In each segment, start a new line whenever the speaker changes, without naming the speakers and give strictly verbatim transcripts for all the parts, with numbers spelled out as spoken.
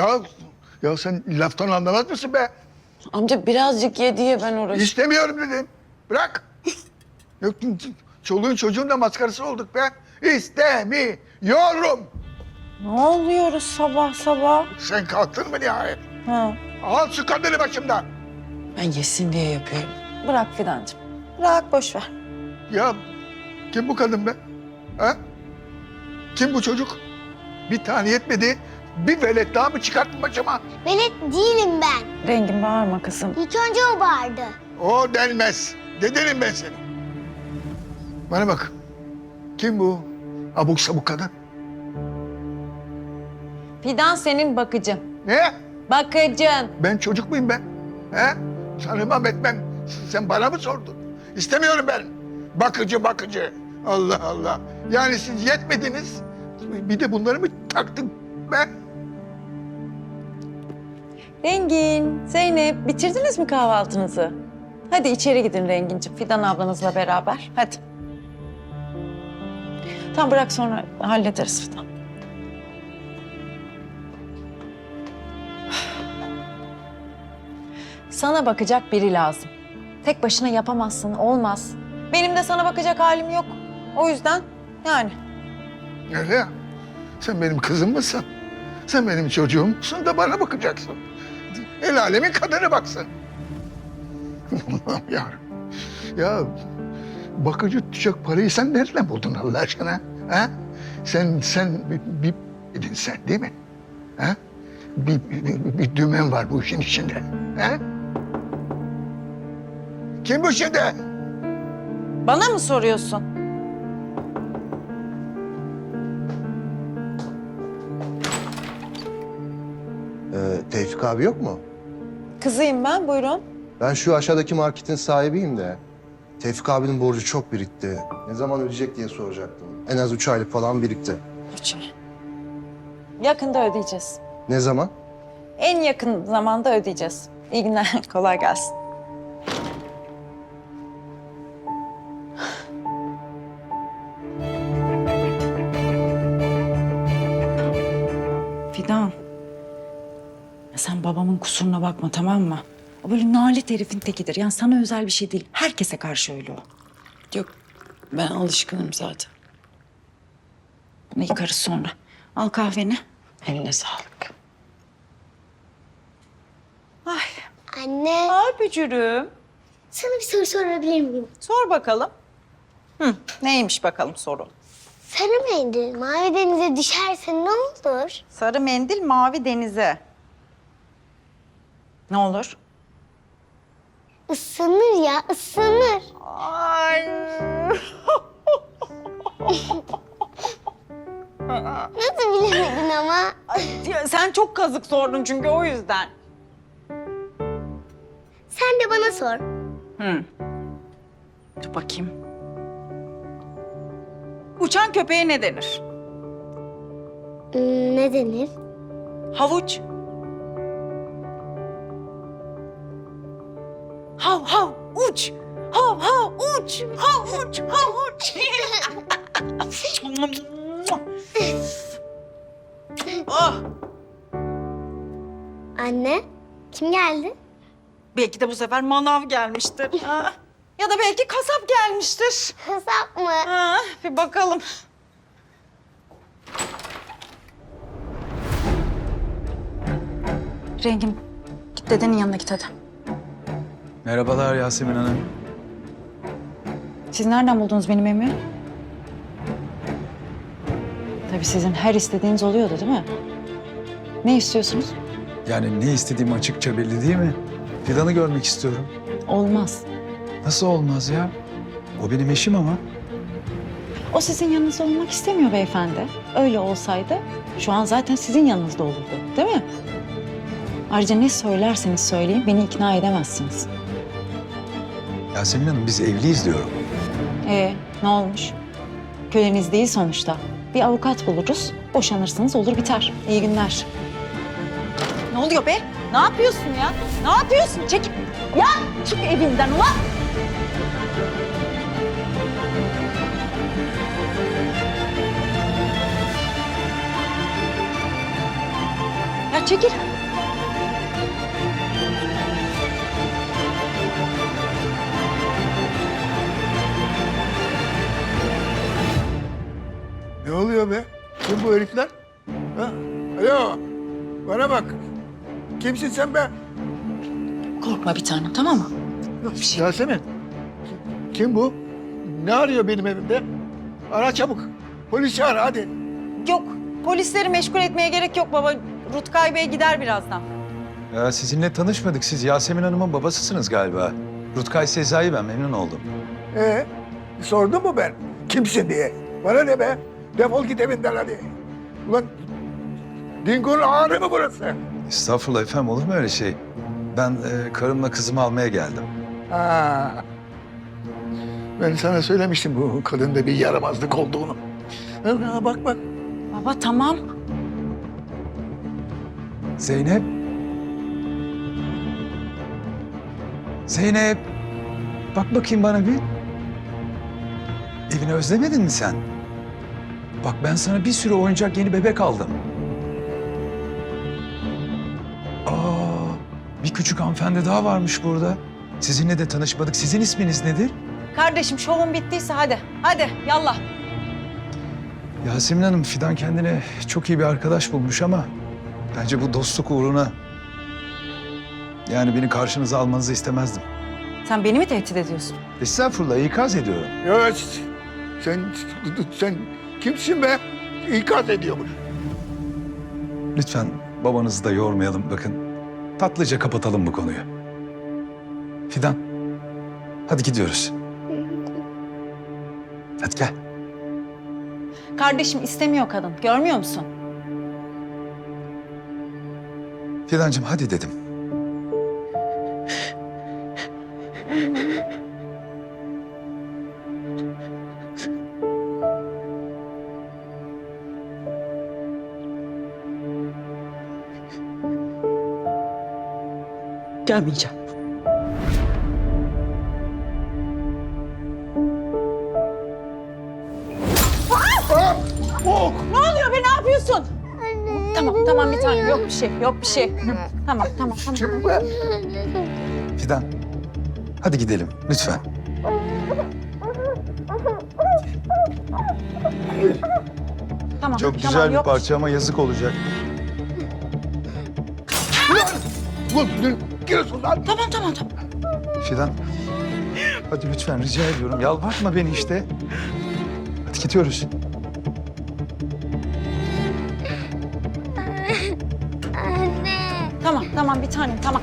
Ya, ya sen laftan anlamaz mısın be?
Amca birazcık ye diye ben uğraşıyorum.
İstemiyorum dedim. Bırak. Yok, çoluğun çocuğun da maskarası olduk be. İstemiyorum.
Ne oluyoruz sabah sabah?
Sen kalktın mı nihayet?
Ha.
Al şu kadını başımdan.
Ben yesin diye yapıyorum. Bırak Fidancığım. Bırak boş ver.
Ya kim bu kadın be? Ha? Kim bu çocuk? Bir tane yetmedi. Bir velet daha mı çıkarttın başıma?
Velet değilim ben.
Rengin bağırma kızım.
İlk önce o bağırdı.
O denmez. Dedenim ben seni. Bana bak. Kim bu abuk sabuk kadın?
Fidan senin bakıcın.
Ne?
Bakıcın.
Ben çocuk muyum ben? He? Tanımam etmem. Sen bana mı sordun? İstemiyorum ben. Bakıcı bakıcı. Allah Allah. Yani siz yetmediniz. Bir de bunları mı taktın be?
Rengin, Zeynep bitirdiniz mi kahvaltınızı? Hadi içeri gidin Renginciğim. Fidan ablanızla beraber. Hadi. Tamam bırak sonra hallederiz Fidan. Sana bakacak biri lazım. Tek başına yapamazsın, olmaz. Benim de sana bakacak halim yok. O yüzden yani.
Öyle ya. Sen benim kızım mısın? Sen benim çocuğumsun da bana bakacaksın. El alemin kadını baksın. Allah'ım yarabbim. Ya bakıcı tutacak parayı sen nereden buldun Allah aşkına? Ha? Sen, sen bir, bir dedin sen değil mi? Ha? Bir, bir, bir dümen var bu işin içinde. Ha? Kim bu şimdi?
Bana mı soruyorsun?
Ee, Tevfik abi yok mu?
Kızıyım ben, buyurun.
Ben şu aşağıdaki marketin sahibiyim de. Tevfik abinin borcu çok birikti. Ne zaman ödeyecek diye soracaktım. En az üç aylık falan birikti.
Üç ay. Yakında ödeyeceğiz.
Ne zaman?
En yakın zamanda ödeyeceğiz. İyi günler, kolay gelsin. Fidan. Sen babamın kusuruna bakma, tamam mı? O böyle nalet herifin tekidir. Yani sana özel bir şey değil. Herkese karşı öyle o. Yok, ben alışkınım zaten. Bunu yıkarız sonra. Al kahveni. Eline sağlık. Ay.
Anne,
Ay bücürüm.
sana bir soru sorabilir miyim?
Sor bakalım. Hı, neymiş bakalım sorun.
Sarı mendil mavi denize düşerse ne olur?
Sarı mendil mavi denize. Ne olur?
Isınır ya, ısınır.
Ay.
Nasıl bilemedin ama?
Ay, sen çok kazık sordun çünkü o yüzden.
Sen de bana sor.
Hı. Dur bakayım. Uçan köpeğe ne denir?
Hmm, ne denir?
Havuç. Hav hav uç. Hav hav uç. Hav uç. Hav uç. Oh.
Anne, kim geldi?
Belki de bu sefer manav gelmiştir. Ha. Ya da belki kasap gelmiştir.
Kasap mı?
Ha, bir bakalım. Rengim, git dedenin yanına git hadi.
Merhabalar Yasemin Hanım.
Siz nereden buldunuz benim evimi? Tabii sizin her istediğiniz oluyordu değil mi? Ne istiyorsunuz?
Yani ne istediğim açıkça belli değil mi? Fidan'ı görmek istiyorum.
Olmaz.
Nasıl olmaz ya? O benim eşim ama.
O sizin yanınızda olmak istemiyor beyefendi. Öyle olsaydı şu an zaten sizin yanınızda olurdu, değil mi? Ayrıca ne söylerseniz söyleyin beni ikna edemezsiniz.
Yasemin Hanım biz evliyiz diyorum.
Ee, ne olmuş? Köleniz değil sonuçta. Bir avukat buluruz, boşanırsınız olur biter. İyi günler. Ne oluyor be? Ne yapıyorsun ya? Ne yapıyorsun? Çekil. Ya çık evinden ulan. Ya çekil.
Ne oluyor be? Kim bu herifler? Ha? Alo, bana bak. Kimsin sen be?
Korkma bir tanem, tamam mı? Yok bir şey.
Yasemin. Kim bu? Ne arıyor benim evimde? Ara çabuk. Polisi ara hadi.
Yok, polisleri meşgul etmeye gerek yok baba. Rutkay Bey gider birazdan.
Ya sizinle tanışmadık. Siz Yasemin Hanım'ın babasısınız galiba. Rutkay Sezai ben, memnun oldum.
Ee, sordun mu ben? Kimsin diye? Bana ne be? Defol git evinden hadi. Ulan Dingo'nun ağrı mı burası?
Estağfurullah efendim, olur mu öyle şey? Ben e, karımla kızımı almaya geldim.
Ha. Ben sana söylemiştim bu kadında bir yaramazlık olduğunu. Ha, bak bak.
Baba tamam.
Zeynep. Zeynep. Bak bakayım bana bir. Evini özlemedin mi sen? Bak ben sana bir sürü oyuncak yeni bebek aldım. Aa, bir küçük hanımefendi daha varmış burada. Sizinle de tanışmadık. Sizin isminiz nedir?
Kardeşim şovun bittiyse hadi. Hadi yallah.
Yasemin Hanım, Fidan kendine çok iyi bir arkadaş bulmuş ama bence bu dostluk uğruna yani beni karşınıza almanızı istemezdim.
Sen beni mi tehdit ediyorsun?
Estağfurullah, ikaz ediyorum.
Ya sen, sen kimsin be? İkaz ediyormuş.
Lütfen babanızı da yormayalım. Bakın, tatlıca kapatalım bu konuyu. Fidan, hadi gidiyoruz. Hadi gel.
Kardeşim istemiyor kadın. Görmüyor musun?
Fidancığım hadi dedim.
Gelmeyeceğim.
Oh!
Ne oluyor be, ne yapıyorsun? Tamam tamam bir tanem, yok bir şey, yok bir şey. Hı, Tamam tamam tamam.
Kim be?
Fidan, hadi gidelim lütfen.
Tamam,
Çok güzel
tamam,
bir
yok
parça ama yazık olacak.
Ulan dur, giriyorsun lan.
Tamam tamam tamam.
Fidan, hadi lütfen rica ediyorum. Yalvartma beni işte. Hadi gidiyoruz.
Anne.
Tamam tamam bir tanem tamam.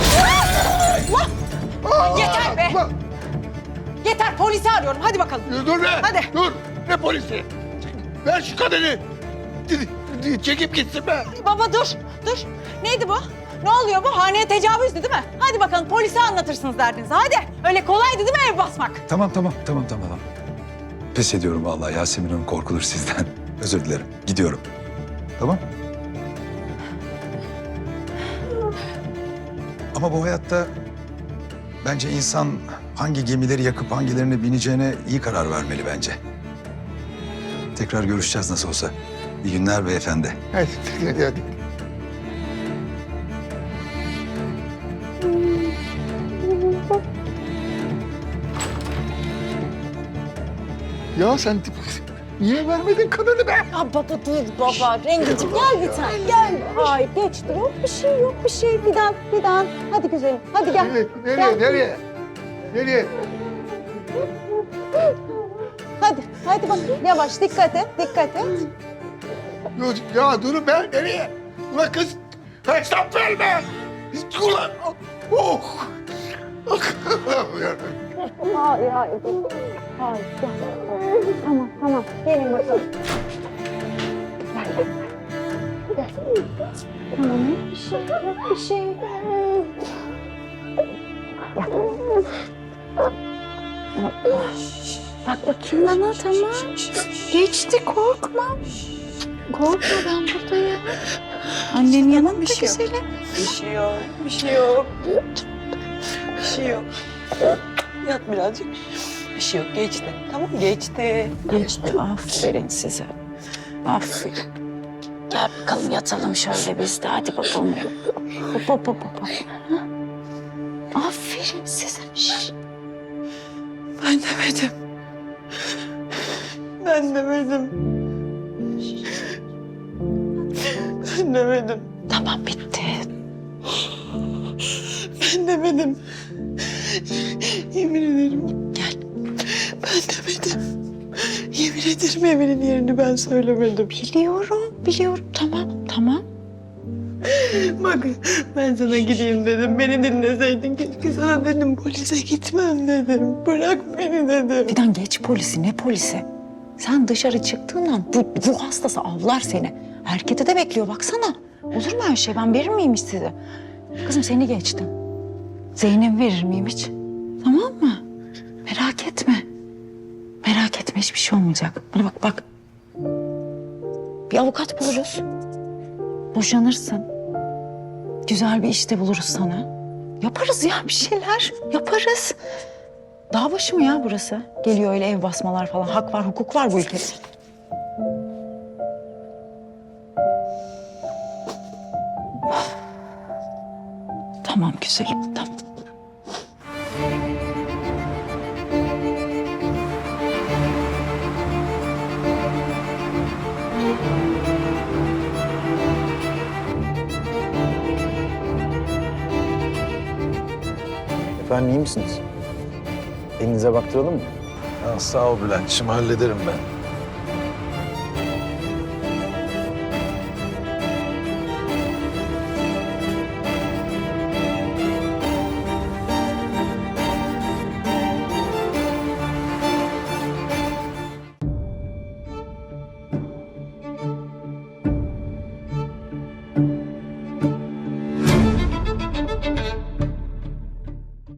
Yeter be!
Ulan,
Yeter, polisi arıyorum. Hadi bakalım.
dur be.
Hadi.
Dur. Ne polisi? Ver şu kadını. Çekip gitsin be.
Baba dur, dur. Neydi bu? Ne oluyor bu? Haneye tecavüzdü değil mi? Hadi bakalım polise anlatırsınız derdinizi. Hadi. Öyle kolaydı değil mi ev basmak?
Tamam tamam tamam tamam. tamam. Pes ediyorum vallahi, Yasemin Hanım korkulur sizden. Özür dilerim. Gidiyorum. Tamam? Ama bu hayatta bence insan hangi gemileri yakıp hangilerine bineceğine iyi karar vermeli bence. Tekrar görüşeceğiz nasıl olsa. İyi günler beyefendi.
Hadi, hadi, hadi. Ya sen niye vermedin kadını be?
Ya baba dur baba. Rengicim gel bir tane. Gel. Ay geçti. Yok bir şey, yok bir şey. Fidan, Fidan. Hadi güzelim. Hadi gel.
Nereye, nereye,
Gel.
nereye? Nereye?
Hadi, hadi bak. Yavaş dikkat et, dikkat et.
Ya, ya durun be, nereye? Ulan kız, hesap verme. Ulan, oh.
Hayır, hayır. Hayır, gel. Tamam, tamam. Gelin bakalım. Gel. Gel. Tamam, yok bir şey, yok bir şey. Gel. Bak bakayım bana, tamam. Geçti, korkma. Korkma, ben buradayım. Annenin yanında bir şey güzelim.
Bir şey yok, bir şey yok. Bir şey yok. Yat birazcık. Bir şey yok, geçti. Tamam, geçti.
Geçti, aferin size. Aferin. Gel bakalım yatalım şöyle biz de. Hadi bakalım. Hop hop hop hop. Ha? Aferin size. Şş.
Ben demedim. Ben demedim. Ben demedim.
Tamam bitti.
Ben demedim. Yemin ederim.
Gel.
Ben demedim. Yemin ederim Emir'in yerini ben söylemedim.
Biliyorum, biliyorum. Tamam, tamam.
Bak ben sana gideyim dedim. Beni dinleseydin keşke sana dedim. Polise gitmem dedim. Bırak beni dedim.
Fidan geç polisi, ne polisi? Sen dışarı çıktığın an bu ruh hastası avlar seni. Erkete de bekliyor baksana. Olur mu öyle şey? Ben verir miyim hiç size? Kızım seni geçtim. Zeynep verir miyim hiç? Tamam mı? Merak etme. Merak etme hiçbir şey olmayacak. Bana bak bak. Bir avukat buluruz. Boşanırsın. Güzel bir işte buluruz sana. Yaparız ya bir şeyler. Yaparız. Dağ başı mı ya burası? Geliyor öyle ev basmalar falan. Hak var, hukuk var bu ülkede. Tamam güzelim, tamam.
Efendim iyi misiniz? Elinize baktıralım mı?
Ya sağ ol Bülent'ciğim hallederim ben.